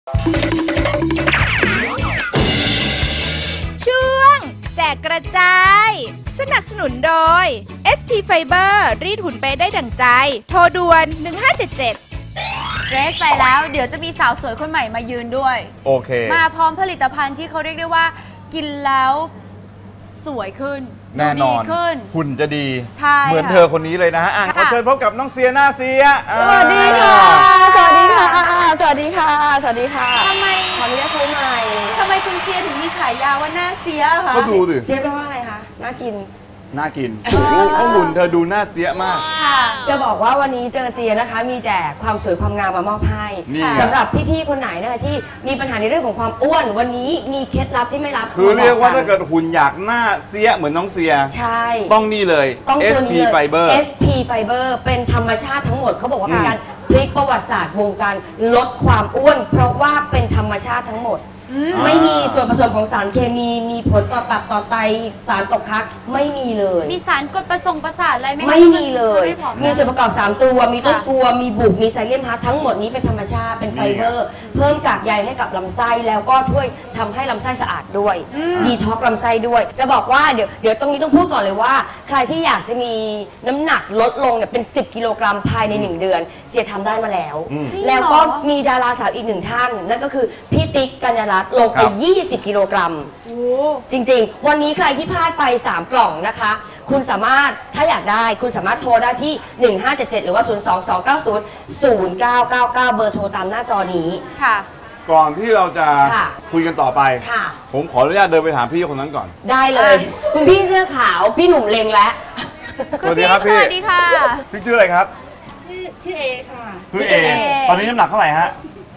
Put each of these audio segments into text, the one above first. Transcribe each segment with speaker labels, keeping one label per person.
Speaker 1: ช่วงแจกกระจายสนับสนุนโดย SP Fiber รีดหุ่นไปได้ดั่งใจโทรด่วน1577
Speaker 2: เรสไปแล้วเดี๋ยวจะมีสาวสวยคนใหม่มายืนด้วย
Speaker 3: โอเค
Speaker 2: มาพร้อมผลิตภัณฑ์ที่เขาเรียกได้ว่ากินแล้วสวยขึ้น
Speaker 3: แน่นอน
Speaker 2: ขึ้น
Speaker 3: หุ่นจะดี
Speaker 2: ใช่
Speaker 3: เหมือนเธอคนนี้เลยนะฮะขอเชิญพบกับน้องเสียหน้าเสีย
Speaker 4: สวัสดีค่ะสวัสดีค่ะสวัสดีค่ะสวัสดีค่ะ
Speaker 2: ทำไม
Speaker 4: ขออนุญาตใช้ไมค์
Speaker 2: ทำไมคุณเสียถึงมีฉายาว่าหน้าเสียคะ
Speaker 3: ก็ดูดิ
Speaker 4: เสียแปลว่าอะไรคะน่ากิน
Speaker 3: น่ากินหุ่นเธอดูหน้าเสียมาก
Speaker 4: จะบอกว่าวันนี้เจอเสียนะคะมีแต่ความสวยความงามมามอบให้สำหรับพี่ๆคนไหนนะคะที่มีปัญหาในเรื่องของความอ้วนวันนี้มีเคล็ดลับที่ไม่รับ
Speaker 3: คือเรียกว่าถ้าเกิดหุ่นอยากหน้าเสียเหมือนน้องเสีย
Speaker 4: ใช่
Speaker 3: ต้องนี่เลย SP Fiber
Speaker 4: SP Fiber เป็นธรรมชาติทั้งหมดเขาบอกว่าเป็นการพลิกประวัติศาสตร์วงการลดความอ้วนเพราะว่าเป็นธรรมชาติทั้งหมดไม่มีส่วนผสมของสารเคมีมีผลต่อตับต่อไตสารตกค้างไม่มีเลย
Speaker 2: มีสารกดประสาทอะไร
Speaker 4: ไม่มีเลยมีส่วนประกอบ3ตัวมีต้นกัวมีบุกมีไซเลียมฮาร์ททั้งหมดนี้เป็นธรรมชาติเป็นไฟเบอร์เพิ่มกากใยให้กับลำไส้แล้วก็ช่วยทำให้ลำไส้สะอาดด้วยดีท็อกลำไส้ด้วยจะบอกว่าเดี๋ยวตรงนี้ต้องพูดก่อนเลยว่าใครที่อยากจะมีน้ำหนักลดลงเนี่ยเป็น10กิโลกรัมภายใน1เดือนเสียทำได้มาแล้วแล้วก็มีดาราสาวอีก1ท่านนั่นก็คือพี่ติ๊กกัญญารัตน์ลงไป20กิโลกรัมจริงๆวันนี้ใครที่พลาดไป3กล่องนะคะคุณสามารถถ้าอยากได้คุณสามารถโทรได้ที่1577หรือว่า022900999เบอร์โทรตามหน้าจอนี้
Speaker 2: ค่ะ
Speaker 3: ก่อนที่เราจะคุยกันต่อไปผมขออนุญาตเดินไปถามพี่คนนั้นก่อน
Speaker 4: ได้เลยคุณพี่เสื้อขาวพี่หนุ่มเลงแล้ว
Speaker 3: สวัสดีครับพี่
Speaker 2: สวัสดีค่ะ
Speaker 3: พี่ชื่ออะไรครับ
Speaker 5: ชื่อเอค่ะ
Speaker 3: พี่เอตอนนี้น้ำหนักเท่าไหร่ฮะ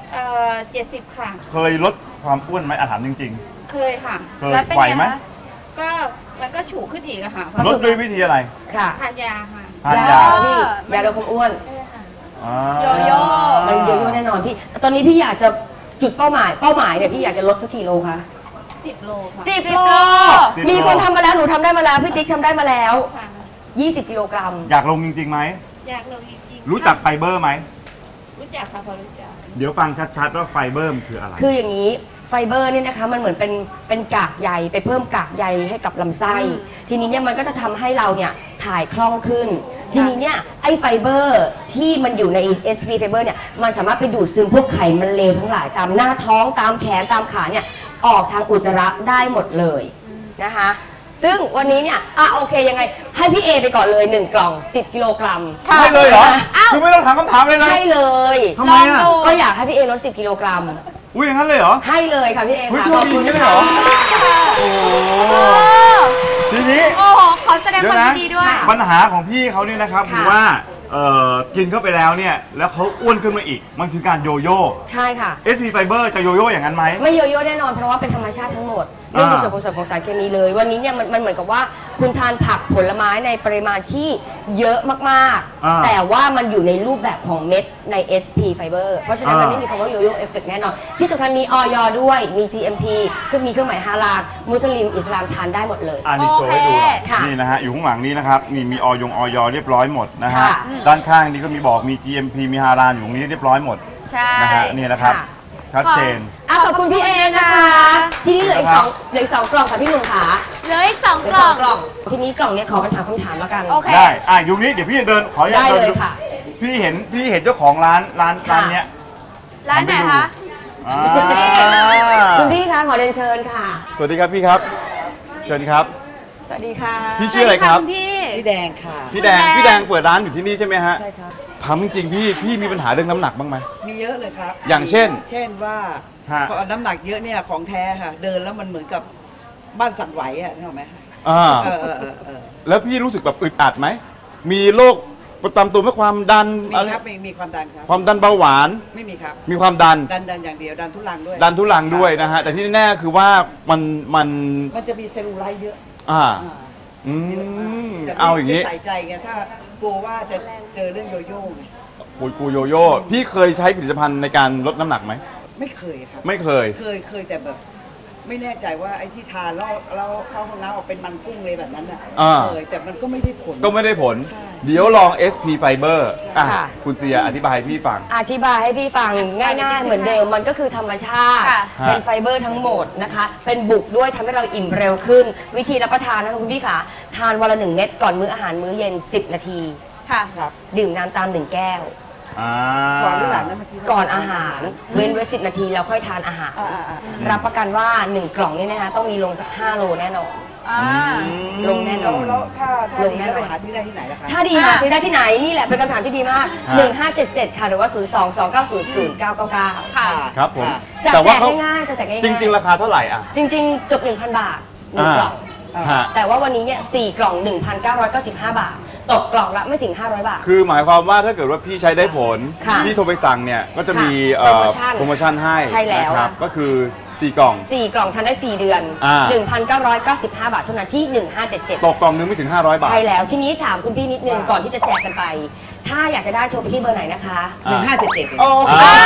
Speaker 5: 70ค่ะ
Speaker 3: เคยลดความอ้วนไหมถามจริง
Speaker 5: ๆเคยค่ะ
Speaker 3: เคยไหวไหม
Speaker 5: ก็มันก็ฉูขึ้นอีกอะค่ะ
Speaker 3: ลดด้วยวิธีอะไร
Speaker 4: ค่ะ
Speaker 5: ทานยาค่ะ
Speaker 3: ทานยา
Speaker 4: พี่ยาลดความอ้วน
Speaker 5: ใช่ค่ะ
Speaker 2: โยโย่
Speaker 4: มันโยโย่แน่นอนพี่ตอนนี้พี่อยากจะจุดเป้าหมายเนี่ยพี่อยากจะลดสักกี่โลคะ
Speaker 5: 10 โลค่ะ
Speaker 4: 10 โลมีคนทำมาแล้วหนูทำได้มาแล้วพี่ติ๊กทำได้มาแล้ว20กิโลกรัม
Speaker 3: อยากลงจริงๆไหม
Speaker 5: อยากลงจริง
Speaker 3: ๆรู้จักไฟเบอร์ไหม
Speaker 5: รู้จักค่ะพอรู้จัก
Speaker 3: เดี๋ยวฟังชัดๆว่าไฟเบอร์คืออะไร
Speaker 4: คืออย่างนี้ไฟเบอร์เนี่ยนะคะมันเหมือนเป็นกากใยไปเพิ่มกากใยให้กับลำไส้ทีนี้เนี่ยมันก็จะทำให้เราเนี่ยถ่ายคล่องขึ้นทีนี้เนี่ยไอไฟเบอร์ที่มันอยู่ใน SP Fiber เนี่ยมันสามารถไปดูดซึมพวกไขมันเลวทั้งหลายตามหน้าท้องตามแขนตามขาเนี่ยออกทางอุจจาระได้หมดเลยนะคะซึ่งวันนี้เนี่ยโอเคยังไงให้พี่เอไปก่อนเลย1กล่อง10กิโลกรัม
Speaker 3: ให้เลยเหรอคือไม่ต้องถามคำถามเลยนะ
Speaker 4: ให้เลย
Speaker 3: ทำไมอ่ะ
Speaker 4: ก็อยากให้พี่เอลด10กิโลกรัม
Speaker 3: อุ้ยอย่างนั้นเลยเหรอ
Speaker 4: ให้เลยค่ะพี่เอค่ะ
Speaker 3: ขอบคุณด้วยเหรอโอ้ทีนี้
Speaker 2: โอ้ขอแสดงความยินดีด้วย
Speaker 3: ปัญหาของพี่เขาเนี่ยนะครับคือว่ากินเข้าไปแล้วเนี่ยแล้วเขาอ้วนขึ้นมาอีกมันคือการโยโย่
Speaker 4: ใช่ค่ะ
Speaker 3: SP Fiber จะโยโย่อย่างนั้นไหม
Speaker 4: ไม่โยโย่แน่นอนเพราะว่าเป็นธรรมชาติทั้งหมดไม่มีส่วนผสมของสารเคมีเลยวันนี้เนี่ยมันเหมือนกับว่าคุณทานผักผลไม้ในปริมาณที่เยอะมากๆแต่ว่ามันอยู่ในรูปแบบของเม็ดใน SP Fiber เพราะฉะนั้นมันไม่มีคำว่าโยโย่เอฟเฟกต์แน่นอนที่สำคัญมีออยด้วยมี GMP คือมีเครื่องหมายฮาลาลมุสลิมอิสลามทานได้หมดเลย
Speaker 3: นี่โชว์ให้ดูนี่นะฮะอยู่ข้างหลังนี้นะครับมีออยเรียบร้อยหมดนะฮะด้านข้างนี้ก็มีบอกมี GMP มีฮาลาลอยู่ตรงนี้เรียบร้อยหมดนะฮะนี่นะครับชัดเจน
Speaker 4: ขอบคุณพี่เอนะคะทีนี้เหลืออีก2กล่องค่ะพี่หนุ่มขา
Speaker 2: เหลืออีก2 กล่อง
Speaker 4: ทีนี้กล่องนี้ขอเป็นถามคำถามแล้วกัน
Speaker 3: ได้อยู่นี้เดี๋ยวพี่จะเดินขออนุญาต
Speaker 4: ได้เลยค่ะ
Speaker 3: พี่เห็นเจ้าของร้านเนี้ย
Speaker 2: ร้านไหนคะ
Speaker 4: คุณพี่คะขอเรียนเชิญค่ะ
Speaker 3: สวัสดีครับพี่ครับเชิญครับ
Speaker 4: สวัสดีค่ะ
Speaker 3: พี่ชื่ออะไรครับ
Speaker 5: พี่แดงค่ะ
Speaker 3: พี่แดงเปิดร้านอยู่ที่นี่ใช่ไหมฮะใช่ครับถามจริงๆพี่มีปัญหาเรื่องน้ำหนักบ้างไหม
Speaker 5: มีเยอะเลยครับ
Speaker 3: อย่างเช่น
Speaker 5: ว่าพอน้ำหนักเยอะเนี่ยของแท้ค่ะเดินแล้วมันเหมือนกับบ้านสั่นไหวอ่ะนึกออกไหม
Speaker 3: แล้วพี่รู้สึกแบบอึดอัดไหมมีโรคประจำตัวไหมความดัน
Speaker 5: มีครับมีความดันครับ
Speaker 3: ความดันเบาหวาน
Speaker 5: ไม่มีครับ
Speaker 3: มีความดัน
Speaker 5: อย่างเดียวดันทุลัง
Speaker 3: ด้วยนะฮะแต่ที่แน่คือว่ามัน
Speaker 5: จะมีเซลลูไลท์เยอะ
Speaker 3: เอาอย่างนี้
Speaker 5: ใส่ใจไงถ้ากลัวว่าจะเจอเรื่องโยโย่ไง
Speaker 3: กูโยโย่พี่เคยใช้ผลิตภัณฑ์ในการลดน้ำหนักไหม
Speaker 5: ไม่เคยครับ
Speaker 3: ไม่เคย
Speaker 5: แต่แบบไม่แน่ใจว่าไอ้ที่ทานแล้วเข้าห้องน้ำออกเป็นมันกุ้งเลยแบบนั้นอ่ะเคยแต่มันก็ไม่ได้ผล
Speaker 3: เดี๋ยวลอง SP Fiber คุณเสียอธิบายให้พี่ฟัง
Speaker 4: อธิบายให้พี่ฟังง่ายๆเหมือนเดิมมันก็คือธรรมชาติเป็นไฟเบอร์ทั้งหมดนะคะเป็นบุกด้วยทำให้เราอิ่มเร็วขึ้นวิธีรับประทานนะคะคุณพี่ขาทานวันละ1 เม็ดก่อนมื้ออาหารมื้อเย็น10 นาที
Speaker 2: ค่ะ
Speaker 4: ดื่มน้ำตาม1 แก้ว
Speaker 5: ก่อนหรือหลังนะ
Speaker 4: ก่อนอาหารเว้นไว้10 นาทีแล้วค่อยทานอาหารรับประกันว่า1 กล่องนี้นะคะต้องมีลงสัก5 โลแน่นอนลงแน่นอน
Speaker 5: แล้วถ้าดีแล้วไปหาซื้อได้ที่ไหนล่ะคะ
Speaker 4: ถ้าดีหาซื้อได้ที่ไหนนี่แหละเป็นคำถามที่ดีมาก1577ค่ะหรือว่า02-290-0999
Speaker 2: ค่ะ
Speaker 3: ครับผม
Speaker 4: จะแจกง่ายๆจะแจกง่ายๆ
Speaker 3: จริงๆราคาเท่าไหร่อ่ะ
Speaker 4: จริงๆเกือบ 1,000 บาท1 กล่องแต่ว่าวันนี้เนี่ย4 กล่อง 1,995 บาทตกกล่องละไม่ถึง500 บาท
Speaker 3: คือหมายความว่าถ้าเกิดว่าพี่ใช้ได้ผลพี่โทรไปสั่งเนี่ยก็จะมีโปรโมชั่นให้
Speaker 4: ใช่แล้ว
Speaker 3: นะครับก็คือ4 กล่อง
Speaker 4: 4 กล่องทานได้4 เดือน 1,995 บาทเท่านั้นที่1577
Speaker 3: ตกกล่องนึงไม่ถึง500 บาท
Speaker 4: ใช่แล้วทีนี้ถามคุณพี่นิดนึงก่อนที่จะแจกกันไปถ้าอยากจะได้โทรไปที่เบอร์ไหนนะคะ
Speaker 5: 1577
Speaker 4: โอ้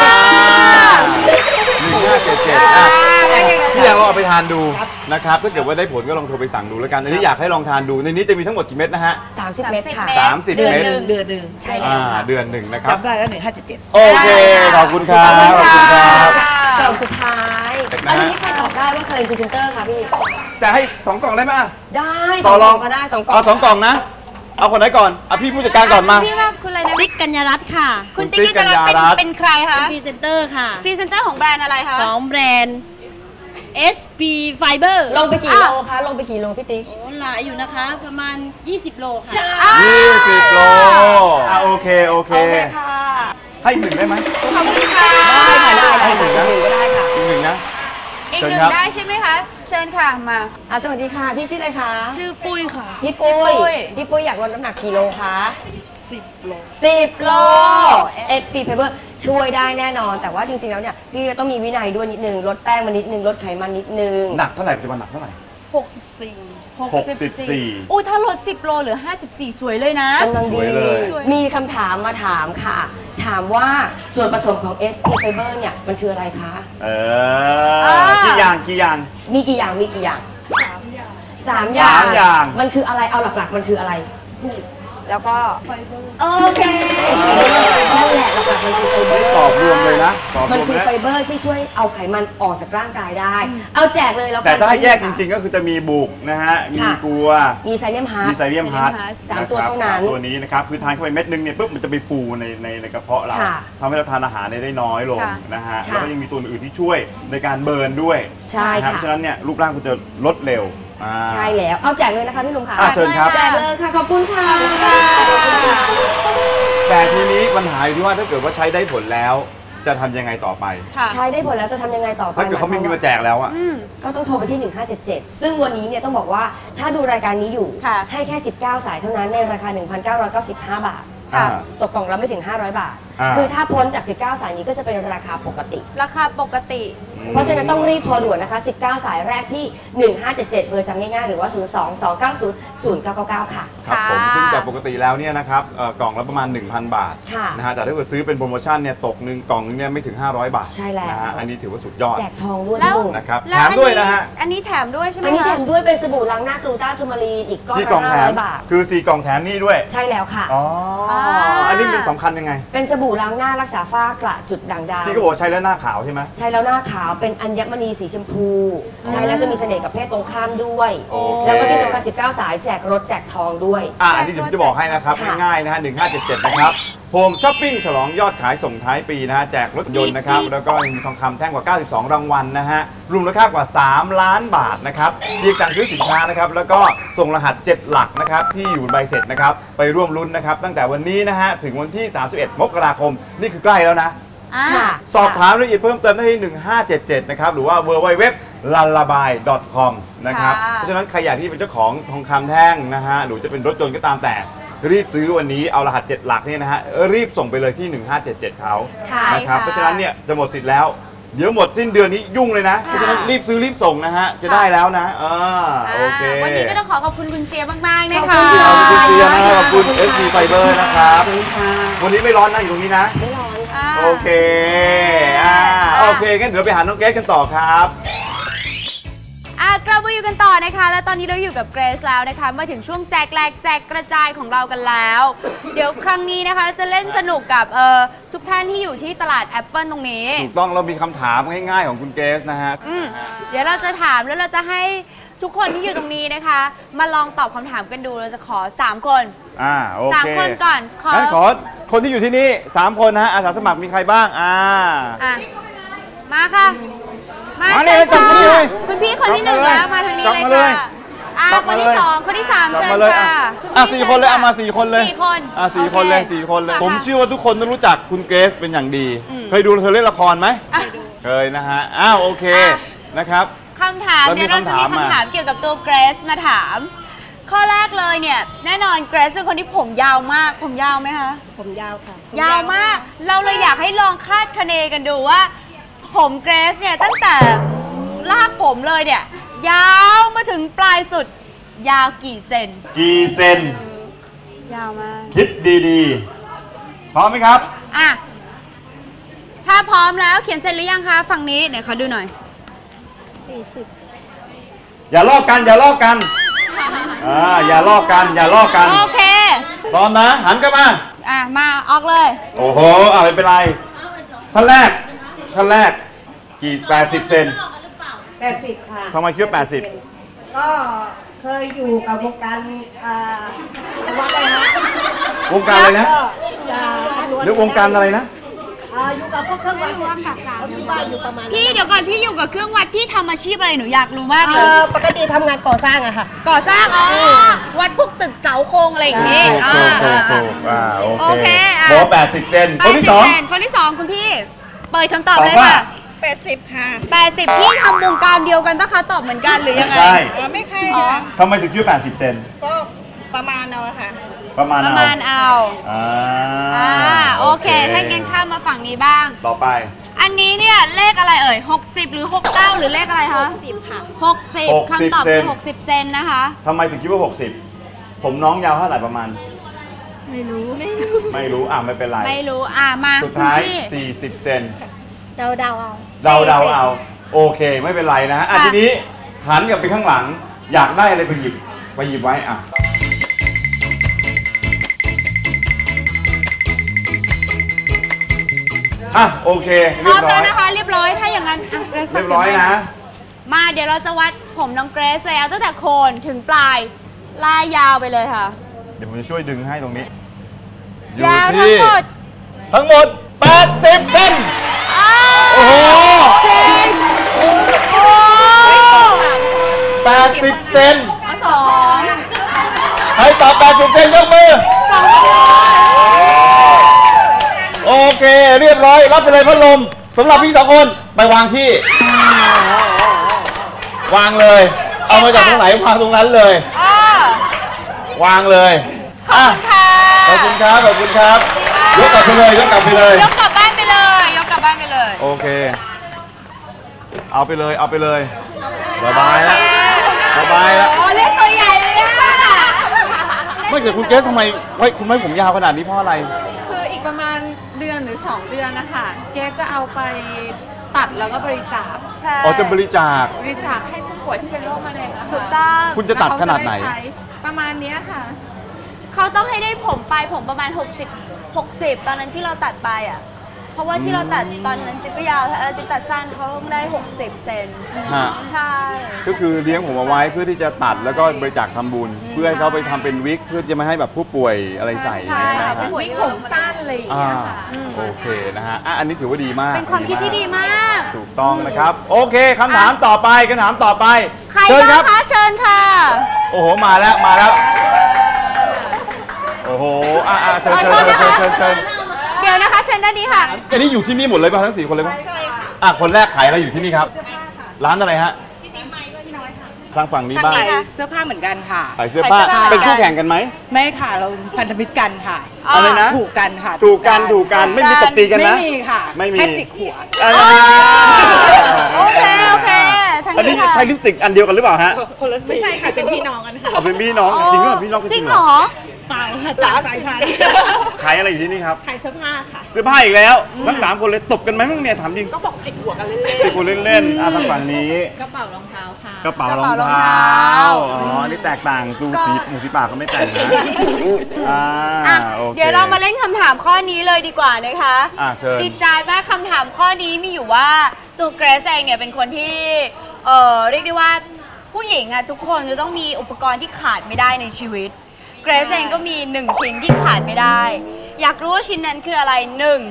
Speaker 3: 1577พี่อยากลองเอาไปทานดูนะครับถ้าเกิดว่าได้ผลก็ลองโทรไปสั่งดูแล้วกันอันนี้อยากให้ลองทานดูในนี้จะมีทั้งหมดกี่เม็ดนะฮะ
Speaker 4: 30 เม็ดค่ะ
Speaker 3: 30 เม็ด
Speaker 5: เดือนหนึ่ง
Speaker 4: ใช่แล้ว
Speaker 3: เดือนหนึ่งนะครับ
Speaker 5: จำได้แล้ว1577
Speaker 3: โอเคขอบคุณครับขอบคุณครับ
Speaker 4: กล่องสุดท้ายอันนี้ใครตอบได้ว่าเคยเป็นพรีเซนเตอร์คะพี่
Speaker 3: จะให้2 กล่องได้ไหม
Speaker 4: ได้2 กล่องก็ได้2 กล่อง
Speaker 3: 2 กล่องนะเอาคนไหนก่อนพี่ผู้จัดการก่อนมา
Speaker 2: พี่ว่าคุณอะไรนะ
Speaker 6: ติ๊กกัญญารัตน์ค่ะ
Speaker 2: คุณติ๊กกัญญารัตน์เป็นใครคะ
Speaker 6: พรีเซนเตอร์ค่ะ
Speaker 2: พรีเซนเตอร์ของแบรนด์อะไรคะ
Speaker 6: ของแบรนด์ SP Fiber
Speaker 4: ลงไปกี่โลคะลงไปกี่โลพี่ติ๊ก
Speaker 6: หลายอยู่นะคะประมาณ20 โลค่ะ
Speaker 3: 20 โลโอเค
Speaker 4: ค่ะ
Speaker 3: ให้1ได้ไหม
Speaker 2: ขอบคุณค่ะ
Speaker 4: ได้ให้1ก็ได้ค่ะ
Speaker 3: อีก1นะ
Speaker 2: อีก1ได้ใช่ไหมคะเชิญค่ะมา
Speaker 4: สวัสดีค่ะพี่ชื่ออะไรคะ
Speaker 6: ชื่อปุ้ยค่ะ
Speaker 4: พี่ปุ้ยอยากลดน้ำหนักกี่โลคะ
Speaker 6: 10 โล
Speaker 4: 10 โล SP Fiber ช่วยได้แน่นอนแต่ว่าจริงๆแล้วเนี่ยพี่ก็ต้องมีวินัยด้วยนิดนึงลดแป้งมานิดนึงลดไขมันนิดนึง
Speaker 3: หนักเท่าไหร่ปัจจุบันหนักเท่าไหร่
Speaker 2: 64อู้ถ้าลด10 โลเหลือ54สวยเลยนะ
Speaker 4: กำลังดีมีคำถามมาถามค่ะถามว่าส่วนผสมของ SP Fiber เนี่ยมันคืออะไรคะ
Speaker 3: กี่อย่าง
Speaker 4: มีกี่อย่าง3 อย่างมันคืออะไรเอาหลักๆมันคืออะไรแล้วก็โอเคนั่นแหละหลักๆมันคือไฟเบอร์
Speaker 3: ตอบรวมเลยนะ
Speaker 4: มันคือไฟเบอร์ที่ช่วยเอาไขมันออกจากร่างกายได้เอาแจกเลยแล้ว
Speaker 3: แต่ถ้าแยกจริงๆก็คือจะมีบุกนะฮะมีกัว
Speaker 4: มีไซเลียมฮาร์
Speaker 3: ท
Speaker 4: 3 ตัวเท่านั้น
Speaker 3: ตัวนี้นะครับคือทานเข้าไปเม็ดนึงเนี่ยปุ๊บมันจะไปฟูในกระเพาะเราทำให้เราทานอาหารได้น้อยลงนะฮะแล้วก็ยังมีตัวอื่นที่ช่วยในการเบิร์นด้วย
Speaker 4: ใช่ค่ะ
Speaker 3: เพราะฉะนั้นเนี่ยรูปร่างคุณจะลดเร็ว
Speaker 4: ใช่แล้วเอาแจกเลยนะคะพี่หนุ่มค่ะ
Speaker 3: เชิญครับ
Speaker 4: แจกเลยค่ะขอบคุณค่ะ
Speaker 3: แต่ทีนี้ปัญหาอยู่ที่ว่าถ้าเกิดว่าใช้ได้ผลแล้วจะทำยังไงต่อไป
Speaker 4: ใช้ได้ผลแล้วจะทำยังไงต่อไป
Speaker 3: ถ้าเกิดเขาไม่มีมาแจกแล้วอ่ะ
Speaker 4: ก็ต้องโทรไปที่1577ซึ่งวันนี้เนี่ยต้องบอกว่าถ้าดูรายการนี้อยู่ให้แค่19 สายเท่านั้นในราคา 1,995 บาทตกกล่องละไม่ถึง500 บาทคือถ้าพ้นจาก19 สายนี้ก็จะเป็นราคาปกติเพราะฉะนั้นต้องรีบโทรด่วนนะคะ19 สายแรกที่1577เบอร์จำง่ายๆหรือว่า02-290-0999ค่ะ
Speaker 3: ครับผมซึ่งจากปกติแล้วเนี่ยนะครับกล่องละประมาณ 1,000 บาทนะฮะแต่ถ้าเกิดซื้อเป็นโปรโมชั่นเนี่ยตก1 กล่องนึงเนี่ยไม่ถึง500 บาท
Speaker 4: ใช่แล้ว
Speaker 3: นะฮะอันนี้ถือว่าสุดยอด
Speaker 4: แจกทองด้วย
Speaker 3: นะครับแถมด้วยนะฮะ
Speaker 2: อันนี้แถมด้วยใช่ไหม
Speaker 4: อันนี้แถมด้วยเป็นสบู่ล้างหน้ากลูต้าจูมารีนอีกก้อนละ500 บาท
Speaker 3: คือ4 กล่องแถมนี่ด้วย
Speaker 4: ใช่แล้วค่ะ
Speaker 3: อันนี้เป็นสำคัญยังไง
Speaker 4: เป็นสบู่ล้างหน้ารักษาฝ้ากระจุดด่างดำ
Speaker 3: ที่เขาบอกใช้แล้วหน้าขาวใช่ไหม
Speaker 4: ใช้แล้วหน้าขาวเป็นอัญมณีสีชมพูใช้แล้วจะมีเสน่ห์กับเพศตรงข้ามด้วยแล้วก็ที่สำคัญ19 สายแจกรถแจกทองด้วย
Speaker 3: อันนี้ผมจะบอกให้นะครับง่ายๆนะฮะ1577นะครับโฮมช้อปปิ้งฉลองยอดขายส่งท้ายปีนะฮะแจกรถยนต์นะครับแล้วก็มีทองคำแท่งกว่า92 รางวัลนะฮะรวมมูลค่ากว่า3 ล้านบาทนะครับเพียงสั่งซื้อสินค้านะครับแล้วก็ส่งรหัส7 หลักนะครับที่อยู่ใบเสร็จนะครับไปร่วมลุ้นนะครับตั้งแต่วันนี้นะฮะถึงวันที่31 มกราคมนี่คือใกล้แล้วนะสอบถามรายละเอียดเพิ่มเติมได้ที่1577นะครับหรือว่า www.lullaby.com นะครับเพราะฉะนั้นใครอยากที่เป็นเจ้าของทองคำแท่งนะฮะหรือจะเป็นรถยนต์ก็ตามแต่รีบซื้อวันนี้เอารหัส7 หลักเนี่ยนะฮะรีบส่งไปเลยที่1577เขานะครับเพราะฉะนั้นเนี่ยจะหมดสิทธิ์แล้วเดี๋ยวหมดสิ้นเดือนนี้ยุ่งเลยนะเพราะฉะนั้นรีบซื้อรีบส่งนะฮะจะได้แล้วนะโอเค
Speaker 2: วันนี้ก็ต้องขอบคุณคุณเซียมากๆนะคะ
Speaker 3: ขอบคุณเซียนะขอบคุณ SP Fiber นะครับวันนี้ไม่ร้อนนะอยู่ตรงนี้นะ
Speaker 4: ไม่ร้อน
Speaker 3: โอเคโอเคงั้นเดี๋ยวไปหาน้องเกรซกันต่อครับ
Speaker 2: กลับมาอยู่กันต่อนะคะและตอนนี้เราอยู่กับเกรซแล้วนะคะมาถึงช่วงแจกแลกแจกกระจายของเรากันแล้ว เดี๋ยวครั้งนี้นะคะจะเล่นสนุกกับทุกท่านที่อยู่ที่ตลาดแอปเปิลตรงนี้
Speaker 3: ถูกต้องเรามีคำถามง่ายๆของคุณเกรซนะฮะ
Speaker 2: เดี๋ยวเราจะถามแล้วเราจะให้ทุกคนที่อยู่ตรงนี้นะคะมาลองตอบคำถามกันดูเราจะขอ3 คน
Speaker 3: โอเค
Speaker 2: 3 คนก่อน
Speaker 3: ขอคนที่อยู่ที่นี่3 คนนะฮะอาสาสมัครมีใครบ้าง
Speaker 2: มาค่ะมาเชิญค่ะคุณพี่คนที่1แล้วมาทางนี้เลยค่ะคนที่2คนที่3เชิญค่ะ
Speaker 3: 4 คนเลยมา4 คนเลย
Speaker 2: 4 คน
Speaker 3: 4 คนเลย4 คนเลยผมเชื่อว่าทุกคนต้องรู้จักคุณเกรซเป็นอย่างดีเคยเล่นละครไหมเคยนะฮะโอเคนะครับ
Speaker 2: คำถามเดี๋ยวเราจะมีคำถามเกี่ยวกับตัวเกรซมาถามข้อแรกเลยเนี่ยแน่นอนเกรซเป็นคนที่ผมยาวมากผมยาวไหมคะ
Speaker 7: ผมยาวค่ะ
Speaker 2: ยาวมากเราเลยอยากให้ลองคาดคะเนกันดูว่าผมเกรซเนี่ยตั้งแต่รากผมเลยเนี่ยยาวมาถึงปลายสุดยาวกี่เซนยาวมาก
Speaker 3: คิดดีๆพร้อมไหมครับ
Speaker 2: ถ้าพร้อมแล้วเขียนเสร็จหรือยังคะฝั่งนี้เดี๋ยวขอดูหน่อย
Speaker 3: 40อย่าลอกกันอย่าลอกกัน
Speaker 2: โอเค
Speaker 3: พร้อมนะหันกันมา
Speaker 2: มาออกเลย
Speaker 3: โอ้โหไม่เป็นไรท่านแรกกี่80 เซน
Speaker 7: 80ค่ะ
Speaker 3: ทำไมคิดว่า80
Speaker 7: ก็เคยอยู่กับวงการวัดอะไรนะ
Speaker 3: วงการอะไรนะหรือวงการอะไรนะ
Speaker 7: อยู่กับพวกเครื่องวัดที่ว่าอยู่ประมาณ
Speaker 2: พี่เดี๋ยวก่อนพี่อยู่กับเครื่องวัดพี่ทำอาชีพอะไรหนูอยากรู้มากเลย
Speaker 7: ปกติทำงานก่อสร้างอะค่ะ
Speaker 2: ก่อสร้างวัดพวกตึกเสาโครงอะไรอย่างงี้
Speaker 3: โอเคโบ80 เซนคนที่
Speaker 2: 2คุณพี่เปิดคำตอบเลยค่ะ
Speaker 7: 80ค่ะ
Speaker 2: 80พี่ทำวงการเดียวกันปะคะตอบเหมือนกันหรือยังไง
Speaker 7: ไม่ใช่ค่ะ
Speaker 3: ทำไมถึงคิดว่า80 เซน
Speaker 7: ก็ประมาณเอาค่ะ
Speaker 3: ประมาณ
Speaker 2: เอาโอเคถ้างั้นข้ามมาฝั่งนี้บ้าง
Speaker 3: ต่อไป
Speaker 2: อันนี้เนี่ยเลขอะไร60หรือ69หรือเลขอะไรคะ
Speaker 7: 60ค่ะ
Speaker 2: 60คำตอบคือ60 เซนนะคะ
Speaker 3: ทำไมถึงคิดว่า60ผมน้องยาวเท่าไหร่ประมาณ
Speaker 2: ไม่รู้
Speaker 3: ไม่เป็นไร
Speaker 2: ไม่รู้มา
Speaker 3: สุดท้าย40 เซน
Speaker 7: เดา
Speaker 3: เอาโอเคไม่เป็นไรนะทีนี้หันกลับไปข้างหลังอยากได้อะไรไปหยิบไว้โอเค
Speaker 2: เรียบร้อยนะคะเรียบร้อยถ้าอย่างนั้น
Speaker 3: เรียบร้อยนะ
Speaker 2: มาเดี๋ยวเราจะวัดผมน้องเกรซแล้วตั้งแต่โคนถึงปลายลายยาวไปเลยค่ะ
Speaker 3: เดี๋ยวผมจะช่วยดึงให้ตรงนี้
Speaker 2: ยาว
Speaker 3: ทั้งหมด80 เซนโอ้โห80 เซนใครตอบ80 เซนยกมือโอเคเรียบร้อยรับไปเลยพัดลมสำหรับพี่2 คนไปวางที่วางเลยเอามาจากตรงไหนวางตรงนั้นเลยวางเลยขอบคุณครับยกกลับไปเลย
Speaker 2: ยกกลับบ้านไปเลย
Speaker 3: โอเคเอาไปเลยสบายแล้ว
Speaker 2: เล่นตัวใหญ่เลย
Speaker 3: ไม่เกิดคุณเกรซทำไมคุณไม่ผมยาวขนาดนี้เพราะอะไร
Speaker 8: คืออีกประมาณ1 เดือนหรือ2 เดือนนะคะเกรซจะเอาไปตัดแล้วก็บริจาค
Speaker 2: ใช่
Speaker 3: จะบริจาค
Speaker 8: ให้ผู้ป่วยที่เป็นโรคมะเร็งอะค่ะ
Speaker 2: ถูกต้อง
Speaker 3: คุณจะตัดขนาดไหน
Speaker 8: ประมาณนี้ค่ะ
Speaker 2: เขาต้องให้ได้ผมประมาณ60ตอนนั้นที่เราตัดไปเพราะว่าที่เราตัดตอนนั้นจิ๊บก็ยาวแล้วจิ๊บตัดสั้นเขาต้องได้60 เซนใช่
Speaker 3: ก็คือเลี้ยงผมเอาไว้เพื่อที่จะตัดแล้วก็บริจาคทำบุญเพื่อให้เขาไปทำเป็นวิกเพื่อจะไม่ให้แบบผู้ป่วยอะไรใส่
Speaker 2: ใช่เป็นวิกผมสั้นเลย
Speaker 3: โอเคนะฮะอันนี้ถือว่าดีมาก
Speaker 2: เป็นความคิดที่ดีมาก
Speaker 3: ถูกต้องนะครับโอเคคำถามต่อไป
Speaker 2: ใครบ้างคะเชิญค่ะ
Speaker 3: โอ้โหมาแล้วโอ้โหเชิญ
Speaker 2: เดี๋ยวนะคะเชิญด้านนี้ค่ะ
Speaker 3: อันนี้อยู่ที่นี่หมดเลยป่ะทั้ง4 คนเลยป่ะคนแรกขายอะไรอยู่ที่นี่ครับร้านอะไรฮะพี่จิ๊บไม้ก็พี่น้อยค่ะทางฝั่งนี้บ้าง
Speaker 5: เสื้อผ้าเหมือนกันค่ะ
Speaker 3: ขายเสื้อผ้าเป็นคู่แข่งกันไหม
Speaker 5: ไม่ค่ะเราพันธมิตรกันค่ะ
Speaker 3: อะไรนะ
Speaker 5: ถูกกันค่ะ
Speaker 3: ถูกกันไม่มีตบตีกันนะ
Speaker 5: ไม่มีค่ะแค่จิกหัว
Speaker 2: โอเค
Speaker 3: อันนี้ใช้ลิปสติกอันเดียวกันหรือเปล่าฮะ
Speaker 5: ไม่ใช่ค่ะเป็นพี่น้องกันค่ะ
Speaker 3: เป็นพี่น้องจริงหรือเปล่าพี่น้อง
Speaker 2: จริงเหรอ
Speaker 7: เปล่าค่ะจ่าสายพันธุ์
Speaker 3: ขายอะไรอยู่ที่นี่ครับ
Speaker 7: ขายเสื้อผ้าค่ะ
Speaker 3: เสื้อผ้าอีกแล้วทั้ง3 คนเลยตบกันไหมมั่งเนี่ยถามจริง
Speaker 7: ก็บอกจิกหัวกันเล่น
Speaker 3: จิกหัวเล่นๆทางฝั่งนี้
Speaker 7: ๆกระเป๋ารองเท้าค่ะ
Speaker 3: กระเป๋ารองเท้าอ๋อนี่แตกต่างดูสีหมูสีปากก็ไม่แต่งนะโอเค
Speaker 2: เดี๋ยวเรามาเล่นคำถามข้อนี้เลยดีกว่านะคะ
Speaker 3: เชิญ
Speaker 2: จิตใจมากคำถามข้อนี้มีอยู่ว่าตัวเกรซเองเนี่ยเป็นคนที่เรียกได้ว่าผู้หญิงอะทุกคนจะต้องมีอุปกรณ์ที่ขาดไม่ได้ในชีวิตเกรซเองก็มี1ชิ้นที่ขาดไม่ได้อยากรู้ว่าชิ้นนั้นคืออะไร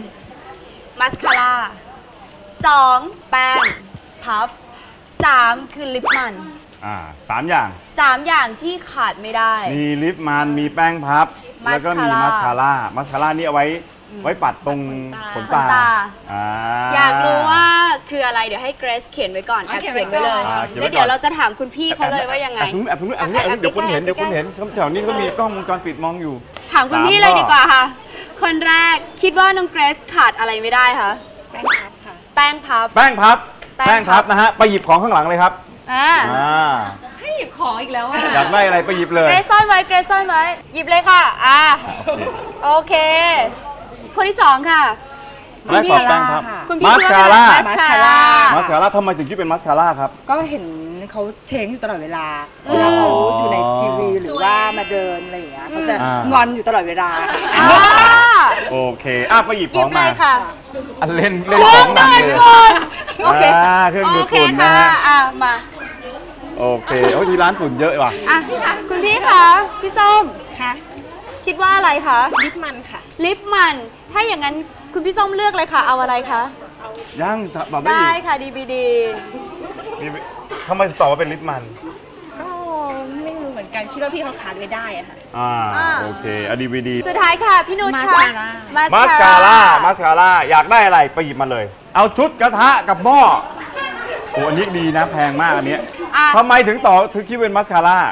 Speaker 2: 1มัสคาร่า2แป้งพัฟ3คือลิปมัน
Speaker 3: 3 อย่าง
Speaker 2: 3 อย่างที่ขาดไม่ได้
Speaker 3: มีลิปมันมีแป้งพับแล้วก็มีมัสคาร่านี่เอาไว้ปัดตรงขนตา
Speaker 2: อยากรู้ว่าคืออะไรเดี๋ยวให้เกรซเขียนไว้ก่อนแอบเขียนไว้เลยแล้วเดี๋ยวเราจะถามคุณพี่เขาเลยว่ายังไง
Speaker 3: เดี๋ยวคนเห็นแถวนี้เขามีกล้องวงจรปิดมองอยู่
Speaker 2: ถามคุณพี่เลยดีกว่าค่ะคนแรกคิดว่าน้องเกรซขาดอะไรไม่ได้คะ
Speaker 7: แป้งพับค่ะ
Speaker 2: แป้งพับ
Speaker 3: นะฮะไปหยิบของข้างหลังเลยครับ
Speaker 8: ให้หยิบของอีกแล้วอ่ะ
Speaker 3: อยากได้อะไรไปหยิบเลย
Speaker 2: เกรซซ่อนไว้หยิบเลยค่ะโอเคคนที่2ค่ะ
Speaker 3: คุณพี่แป้งพับมัสคาร่าทำไมถึงชื่อเป็นมัสคาร่าครับ
Speaker 9: ก็เห็นเขาเช้งอยู่ตลอดเวลาเวลาเขาอยู่ในทีวีหรือว่ามาเดินอะไรอย่างเงี้ยเขาจะงอนอยู่ตลอดเวลา
Speaker 3: โอเคไปหยิบของมาเล่น
Speaker 2: ของหนักเลยโอเค
Speaker 3: เครื่องดูดฝุ่นนะฮะ
Speaker 2: มา
Speaker 3: โอเคที่ร้านฝุ่นเยอะว่ะ
Speaker 2: คุณพี่คะพี่ส้ม
Speaker 7: ค่ะ
Speaker 2: คิดว่าอะไรคะ
Speaker 7: ลิปมันค่ะ
Speaker 2: ลิปมันถ้าอย่างนั้นคุณพี่ส้มเลือกเลยค่ะเอาอะไรคะ
Speaker 3: ยังตอบ
Speaker 2: ได้ค่ะ DVD
Speaker 3: ทำไมตอบว่าเป็นลิปมัน
Speaker 7: ก็ไม่รู้เหมือนกันคิดว่าพี่เขาขาดไม่ได้อะค่ะ
Speaker 3: โอเคDVD
Speaker 2: สุดท้ายค่ะพี่นุชค่ะ
Speaker 3: มัสคาร่าอยากได้อะไรไปหยิบมาเลยเอาชุดกระทะกับหม้ออันนี้ดีนะแพงมากอันนี้ทำไมถึงคิดเป็นมัสคาร่า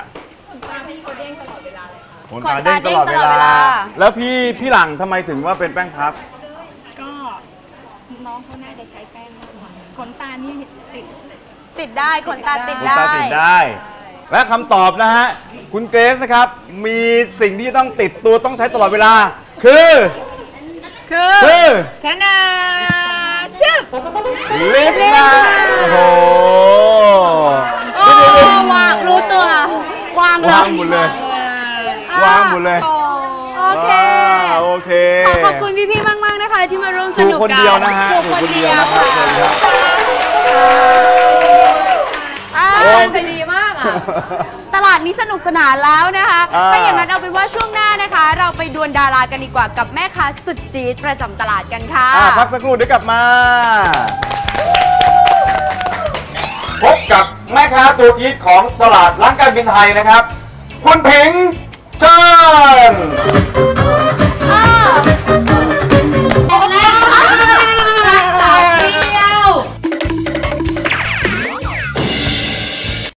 Speaker 3: ขนตาเด้งตลอดเวลาแล้วพี่หลังทำไมถึงว่าเป็นแป้งพับ
Speaker 7: ก็น้องเขาน่าจะใช้แป้งขนตานี่
Speaker 2: ติดได้ขนตาติด
Speaker 3: ได้และคำตอบนะฮะคุณเกรซนะครับมีสิ่งที่ต้องติดตัวต้องใช้ตลอดเวลาคือ
Speaker 2: ขนาดชื่อ
Speaker 3: ลิปมันโอ้โห
Speaker 2: วางรู้ตัววาง
Speaker 3: หมดเลยโอเค
Speaker 2: ขอบคุณพี่ๆมากๆนะคะที่มาร่วมสนุกกัน
Speaker 3: คนเดียวนะฮะ
Speaker 2: คนเดียวใจดีมากตลาดนี้สนุกสนานแล้วนะคะถ้าอย่างนั้นเอาเป็นว่าช่วงหน้านะคะเราไปดวลดารากันดีกว่ากับแม่ค้าสุดจี๊ดประจำตลาดกันค่ะ
Speaker 3: พักสักครู่เดี๋ยวกลับมาพบกับแม่ค้าตัวจี๊ดของตลาดร้านการบินไทยนะครับคุณผิงเชิญ